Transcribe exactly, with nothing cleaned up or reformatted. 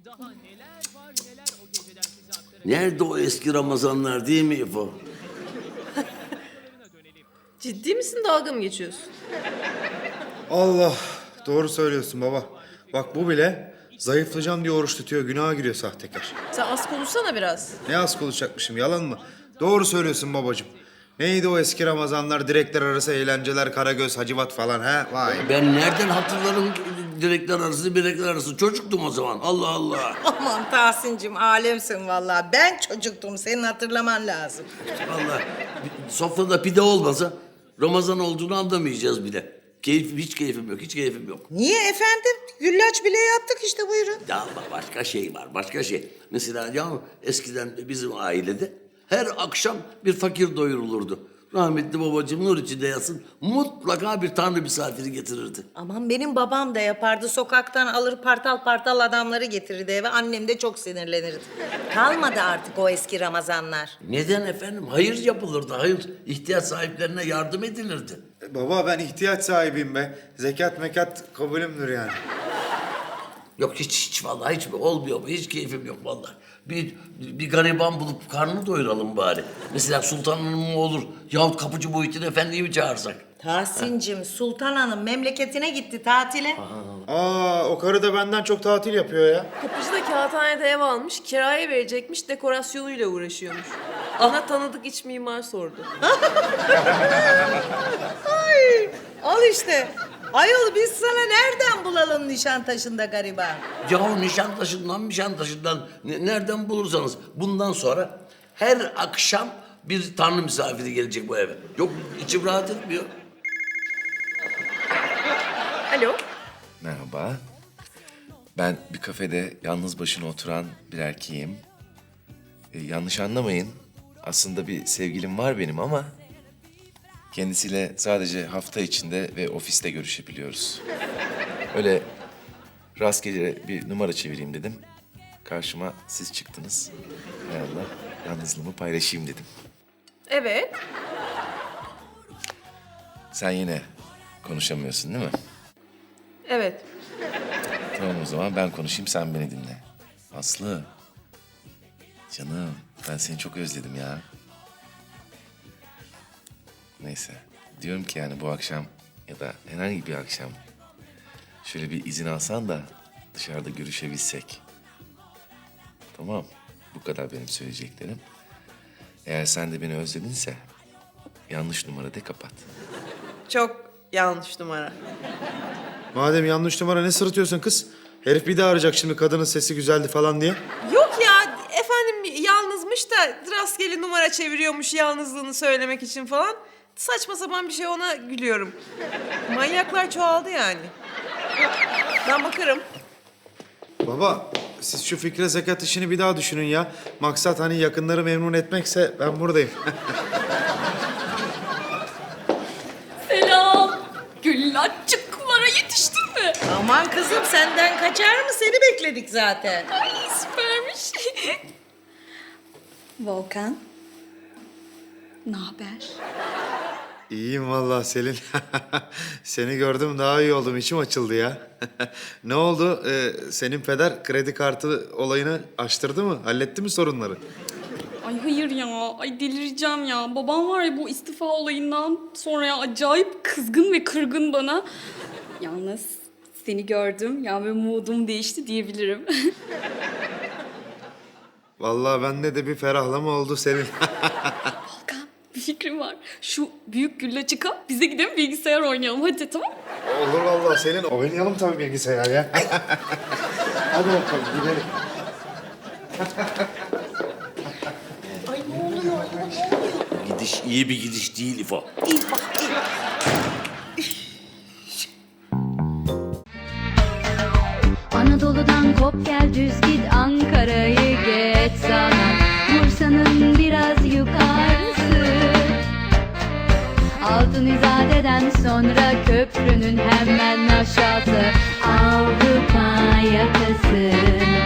Nerede o eski Ramazanlar değil mi İfo? Ciddi misin, dalga mı geçiyorsun? Allah, doğru söylüyorsun baba. Bak bu bile zayıflayacağım diye oruç tutuyor, günaha giriyor sahtekar. Sen az konuşsana biraz. Ne az konuşacakmışım, yalan mı? Doğru söylüyorsun babacığım. Neydi o eski Ramazanlar, direkler arası eğlenceler, Karagöz, Hacivat falan ha? Vay. Ben nereden hatırlarım direkler arası, direkler arası? Çocuktum o zaman. Allah Allah. Aman Tahsin'cim alemsin vallahi. Ben çocuktum, senin hatırlaman lazım. Vallahi sofrada pide olmasa Ramazan olduğunu anlamayacağız bile. Keyif, hiç keyfim yok, hiç keyfim yok. Niye efendim? Güllaç bile yaptık işte, buyurun. Ya ama başka şey var, başka şey. Mesela ya eskiden bizim ailede her akşam bir fakir doyurulurdu. Rahmetli babacığım nur içinde yatsın, mutlaka bir tanrı misafiri getirirdi. Aman benim babam da yapardı. Sokaktan alır partal partal adamları getirirdi eve. Annem de çok sinirlenirdi. Kalmadı artık o eski Ramazanlar. Neden efendim? Hayır yapılırdı, hayır. İhtiyaç sahiplerine yardım edilirdi. E, baba ben ihtiyaç sahibiyim be. Zekat mekat kabulümdür yani. Yok hiç hiç vallahi hiç olmuyor, hiç keyfim yok vallahi. Bir, bir gariban bulup karnını doyuralım bari. Mesela Sultan Hanım mı olur yahut Kapıcı Muhittin Efendi'yi mi çağırsak? Tahsin'cim Sultan Hanım memleketine gitti tatile. Aa, o karı da benden çok tatil yapıyor ya. Kapıcı da kağıthanede ev almış, kiraya verecekmiş, dekorasyonuyla uğraşıyormuş. Bana tanıdık iç mimar sordu. Ay, al işte. Ayol biz sana nereden bulalım Nişantaşı'nda gariban? Yahu Nişantaşı'ndan Nişantaşı'ndan ne- nereden bulursanız bundan sonra her akşam bir tanrı misafiri gelecek bu eve. Yok içim rahat etmiyor. Alo. Merhaba. Ben bir kafede yalnız başına oturan bir erkeğim. Ee, yanlış anlamayın. Aslında bir sevgilim var benim ama... kendisiyle sadece hafta içinde ve ofiste görüşebiliyoruz. Öyle rastgele bir numara çevireyim dedim. Karşıma siz çıktınız. Hay Allah, yalnızlığımı paylaşayım dedim. Evet. Sen yine konuşamıyorsun değil mi? Evet. Tamam o zaman ben konuşayım, sen beni dinle. Aslı, canım ben seni çok özledim ya. Neyse, diyorum ki yani bu akşam ya da herhangi bir akşam şöyle bir izin alsan da dışarıda görüşebilsek. Tamam, bu kadar benim söyleyeceklerim. Eğer sen de beni özledinse yanlış numara de kapat. Çok yanlış numara. Madem yanlış numara ne sırıtıyorsun kız? Herif bir daha arayacak şimdi kadının sesi güzeldi falan diye. Yok ya, efendim yalnızmış da rastgele numara çeviriyormuş yalnızlığını söylemek için falan. Saçma sapan bir şey, ona gülüyorum. Manyaklar çoğaldı yani. Ben bakarım. Baba siz şu Fikre zekat işini bir daha düşünün ya. Maksat hani yakınları memnun etmekse ben buradayım. Selam. Güllaççıklara yetiştin mi? Aman kızım senden kaçar mı? Seni bekledik zaten. Ay süpermiş. Volkan. Ne haber? İyiyim vallahi Selin. Seni gördüm daha iyi oldum. İçim açıldı ya. Ne oldu? Ee, senin peder kredi kartı olayını açtırdı mı? Halletti mi sorunları? Ay hayır ya. Ay delireceğim ya. Babam var ya bu istifa olayından sonra ya acayip kızgın ve kırgın bana. Yalnız seni gördüm ya ve moodum değişti diyebilirim. Vallahi bende de bir ferahlama oldu Selin. Volkan bir fikrim var. Şu büyük güllaçı kap bize gidelim bilgisayar oynayalım hadi tamam. Olur vallahi Selin. Oynayalım tabii bilgisayar ya. Hadi bakalım gidelim. Ay ne oluyor? Ne oluyor? Gidiş iyi bir gidiş değil İfo. İyi bak iyi. Anadolu'dan kop gel düz git Ankara'yı geç sana Bursa'nın biraz yukarısı Altın İzade'den sonra köprünün hemen aşağısı Avrupa yakası